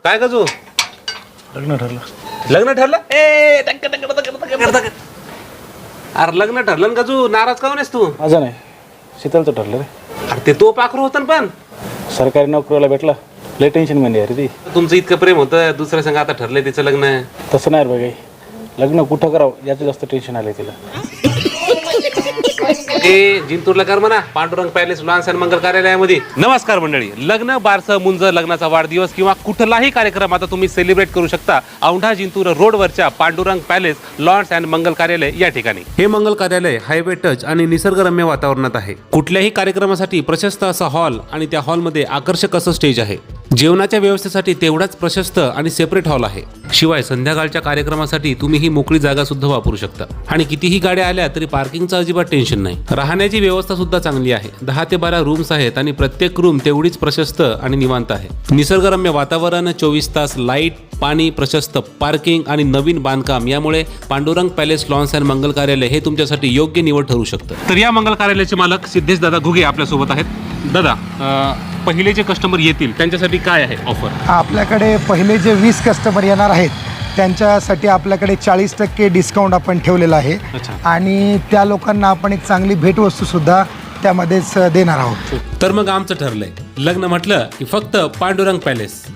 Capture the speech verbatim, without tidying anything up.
काय गजू? लग्न ठरलं. लग्न ठरलं? ए टक टक टक टक टक टक. अरे लग्न ठरलं ना गजू, नाराज का आहेस तू? माझं नाही, शीतलचं ठरलं रे. अरे ते तो पाखरू होतं ना पण सरकारी नोकरीला भेटला, लय टेन्शन मध्ये आहे रे ती. तुमचं इतकं प्रेम होतं, दुसऱ्या संग आता ठरलंय तिचं लग्न. तसं नाही रे बघाई, लग्न कुठं करावं याचं जास्त टेन्शन आलंय तिला. ए जिंतूरला कर म्हणा, Pandurang palace lawns and Mangal कार्यालयामध्ये. नमस्कार मंडळी, लग्न, बारसं, मुंज, लग्नाचा वाढदिवस किंवा कुठलाही कार्यक्रम आता तुम्ही सेलिब्रेट करू शकता औंढा जिंतूर रोडवरच्या Pandurang palace lawns and Mangal Karyalaya या ठिकाणी. हे मंगल कार्यालय हायवे टच आणि निसर्गरम्य वातावरणात आहे. कुठल्याही कार्यक्रमासाठी प्रशस्त असा हॉल आणि त्या हॉलमध्ये आकर्षक असं स्टेज आहे. जेवणाच्या व्यवस्थेसाठी तेवढाच प्रशस्त आणि सेपरेट हॉल आहे. शिवाय संध्याकाळच्या कार्यक्रमासाठी तुम्ही ही मोकळी जागा सुद्धा वापरू शकता. आणि कितीही गाड्या आल्या तरी पार्किंगचं अजिबात टेन्शन नाही. राहण्याची व्यवस्था सुद्धा चांगली आहे. दहा ते बारा रूम्स आहेत आणि प्रत्येक रूम तेवढीच प्रशस्त आणि निवांत आहे. निसर्गरम्य वातावरण, चोवीस तास लाईट, पाणी, प्रशस्त पार्किंग आणि नवीन बांधकाम यामुळे Pandurang palace lawns and Mangal Karyalaya हे तुमच्यासाठी योग्य निवड ठरू शकतं. तर या मंगल कार्यालयाचे मालक सिद्धेश दादा घुगे आपल्यासोबत आहेत. दादा, पहिले जे कस्टमर येतील त्यांच्यासाठी काय आहे ऑफर? आपल्याकडे पहिले जे वीस कस्टमर येणार आहेत त्यांच्यासाठी आपल्याकडे चाळीस टक्के डिस्काउंट आपण ठेवलेला आहे. आणि त्या लोकांना आपण एक चांगली भेटवस्तूसुद्धा त्यामध्येच देणार आहोत. तर मग आमचं ठरलंय, लग्न म्हटलं की फक्त पांडुरंग पॅलेस.